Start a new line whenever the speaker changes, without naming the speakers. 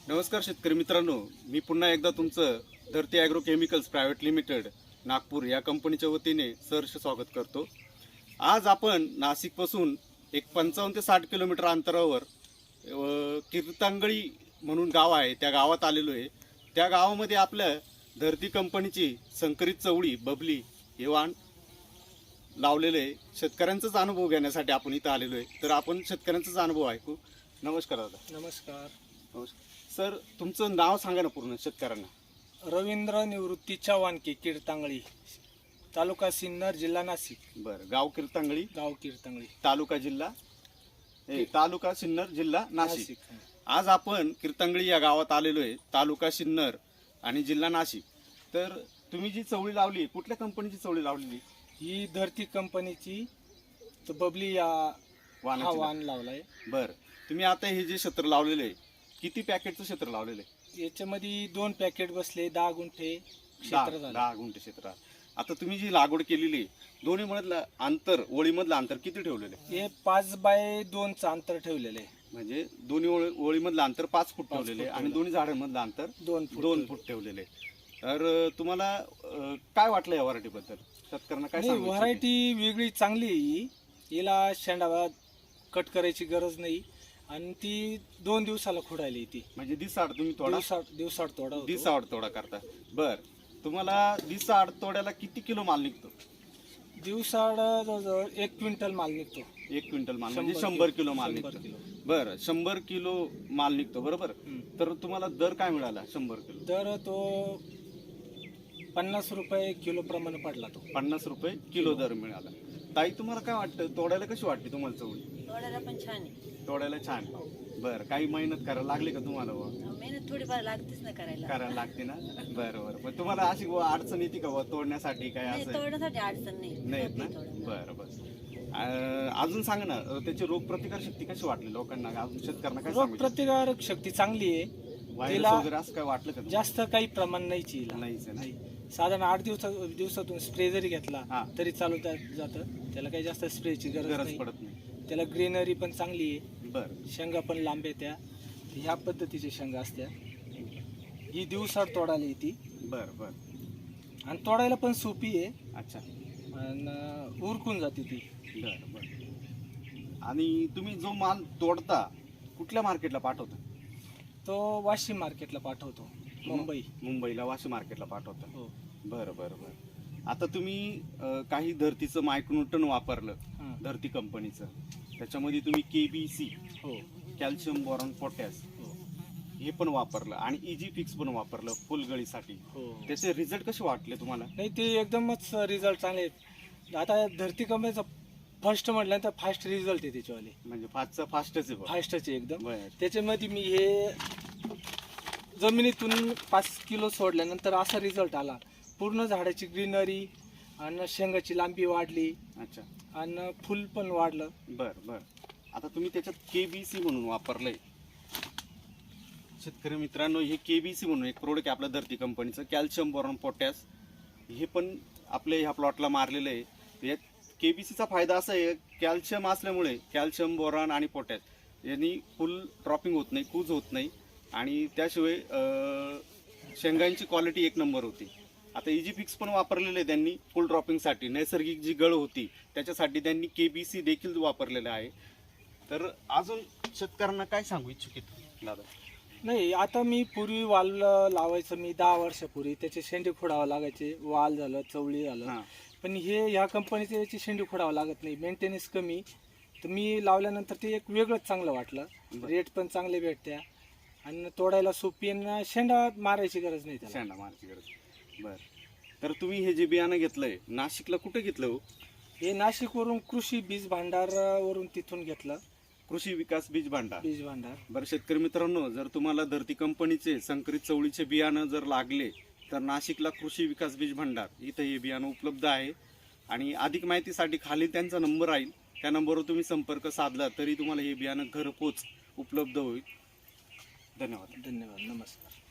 नमस्कार शेतकरी मित्रांनो, मी पुन्हा एकदा तुमचं Dharti agro chemicals private limited Nagpur या कंपनीच्या वतीने सहर्ष स्वागत करतो। आज आपण नाशिकपासून एक 55 ते 60 किलोमीटर अंतरावर कीर्तांगळी म्हणून गाव आहे, त्या गावात आलेलो आहे। त्या गावामध्ये आपल्या धरती कंपनीची संकरित चवळी बबली हे वाण लावलेले आहे। शेतकऱ्यांचाच अनुभव घेण्यासाठी आपण इथं आलेलो आहे, तर आपण शेतकऱ्यांचाच अनुभव ऐकू। नमस्कार दादा।
नमस्कार
नमस्कार सर, तुमचं नाव सांगा ना पूर्ण शेतकऱ्यांना।
रवींद्र निवृत्ती चव्हाणके, कीर्तांगळी, तालुका सिन्नर, जिल्हा नाशिक।
बरं, गाव कीर्तांगळी,
गाव कीर्तांगळी,
तालुका सिन्नर, जिल्हा नाशिक। आज आपण कीर्तांगळी या गावात आलेलो आहे, तालुका सिन्नर आणि जिल्हा नाशिक। तर तुम्ही जी चवळी लावली, कुठल्या कंपनीची चवळी लावलेली?
ही धरती कंपनीची बबली या वाण लावलाय।
बरं, तुम्ही आता हे जे क्षेत्र लावलेलं आहे, किती पॅकेटचं क्षेत्र लावलेलं आहे?
याच्यामध्ये 2 पॅकेट बसले, 10 गुंठे क्षेत्र झालं।
10 गुंठे क्षेत्र। आता तुम्ही जी लागवड केलेली दोन्ही मधलं अंतर, ओळीमधलं अंतर किती ठेवलेलं आहे?
हे 5 बाय 2चं अंतर ठेवलेलं आहे।
म्हणजे दोन्ही ओळीमधलं अंतर 5 फूट ठेवलेले आहे आणि दोन्ही झाडांमधलं अंतर 2 फूट ठेवलेले आहे। तर तुम्हाला काय वाटलं या व्हरायटीबद्दल? शेतकऱ्यांना काय सांगू?
व्हरायटी वेगळी चांगली आहे ही। हिला शेंडा कट करायची गरज नाही आणि ती 2 दिवसाला खुडायला येते।
म्हणजे दिवसाआड तुम्ही
दिवसाआड
तोडा करता। बर, तुम्हाला दिवसाआड तोड्याला किती किलो माल निघतो?
दिवसाआड जवळजवळ 1 क्विंटल माल निघतो।
1 क्विंटल माल म्हणजे 100 किलो माल निघतो। बरं, 100 किलो माल निघतो, बरोबर। तर तुम्हाला दर काय मिळाला? 100 किलो
दर तो 50 रुपये किलो प्रमाणे पडला। तो
50 रुपये किलो दर मिळाला। ताई, तुम्हाला काय वाटतं, तोडायला कशी वाटते तुम्हाला चवळी?
तोडायला पण छान आहे।
तोडायला छान। बरं, काही मेहनत करायला लागली का तुम्हाला?
मेहनत थोडीफार लागतेच ना करायला
लागते ना। बरं, पण तुम्हाला अशी अडचण येते का तोडण्यासाठी? काय असं
तोडण्यासाठी अडचण नाही
येत ना? बरं, अजून सांगा ना, त्याची रोगप्रतिकार शक्ती कशी वाटली लोकांना? अजून शेतकऱ्यांना काय सांगू?
रोगप्रतिकारक शक्ती चांगली आहे।
व्हायरस वगैरे असं काय वाटलं का?
जास्त काही प्रमाण नाहीच
नाही।
साधारण 8 दिवसातून स्प्रे जरी घेतला तरी चालू जातं। त्याला काही जास्त स्प्रेची गरज पडत नाही। त्याला ग्रीनरी पण चांगली आहे।
बरं,
शेंगा पण लांब येत्या। ह्या पद्धतीच्या शेंगा असत्या। ही दिवसाआड तोडायला येते।
बरं,
आणि तोडायला पण सोपी आहे।
अच्छा।
आणि उरकून जाते ती।
बरं, आणि तुम्ही जो माल तोडता कुठल्या मार्केटला पाठवता?
तो वाशिम मार्केटला पाठवतो।
मुंबईला वाशिम मार्केटला पाठवता।
हो।
बरं, आता तुम्ही काही धरतीचं मायक्रोन्यूटन वापरलं, धरती कंपनीचं। त्याच्यामध्ये तुम्ही KBC, कॅल्शियम बोरॉन पोटॅश हे पण वापरलं आणि इजी फिक्स पण वापरलं फुलगळीसाठी। त्याचे रिझल्ट कसे वाटले तुम्हाला?
नाही, ते एकदमच रिझल्ट चांगले आहेत। आता धरती कंपनीचा फर्स्ट म्हटल्यानंतर फास्ट रिझल्ट आहे त्याच्यावाले।
म्हणजे फास्टच
आहे एकदम। त्याच्यामध्ये मी हे जमिनीतून 5 किलो सोडल्यानंतर असा रिझल्ट आला। पूर्ण झाडाची ग्रीनरी आणि शेंगाची लांबी वाढली।
अच्छा।
आणि फुल पण वाढलं।
बरं, आता तुम्ही त्याच्यात KBC म्हणून वापरलंय। शेतकरी मित्रांनो, हे KBC म्हणून एक प्रोडक्ट आहे आपल्या धरती कंपनीचं, कॅल्शियम बोरॉन पोटॅश। हे पण आपल्या ह्या प्लॉटला मारलेलं आहे। यात KBCचा फायदा असा आहे, कॅल्शियम असल्यामुळे कॅल्शियम बोरॉन आणि पोटॅश यांनी फुल ड्रॉपिंग होत नाही, कूज होत नाही आणि त्याशिवाय शेंगांची क्वालिटी 1 नंबर होती। आता इजी फिक्स पण वापरलेलं आहे त्यांनी फुल ड्रॉपिंगसाठी। नैसर्गिक जी गळ होती त्याच्यासाठी त्यांनी KBC देखील वापरलेलं आहे। तर अजून शेतकऱ्यांना काय सांगू इच्छुक दादा?
नाही, आता मी पूर्वी वाल लावायचं, मी 10 वर्षापूर्वी त्याचे शेंडे खोडावं लागायचे। वाल झालं, चवळी झालं, पण ह्या कंपनीचे याची शेंडे खोडावं लागत नाही, मेंटेनन्स कमी। तर मी लावल्यानंतर ते एक वेगळंच चांगलं वाटलं। रेट पण चांगले भेटत्या आणि तोडायला सोपी आणि शेंडा मारायची गरज नाही त्याला।
बरं, तर तुम्ही हे जे बियाणं घेतलंय नाशिकला कुठे घेतलं हो?
हे नाशिकवरून कृषी बीज भांडार वरून तिथून घेतलं।
कृषी विकास बीज भांडार। बरं, शेतकरी मित्रांनो, जर तुम्हाला धरती कंपनीचे संकरित चवळीचे बियाणं जर लागले तर नाशिकला कृषी विकास बीज भांडार इथं हे बियाणं उपलब्ध आहे। आणि अधिक माहितीसाठी खाली त्यांचा नंबर राहील, त्या नंबरवर तुम्ही संपर्क साधला तरी तुम्हाला हे बियाणं घरपोच उपलब्ध होईल। धन्यवाद।
नमस्कार।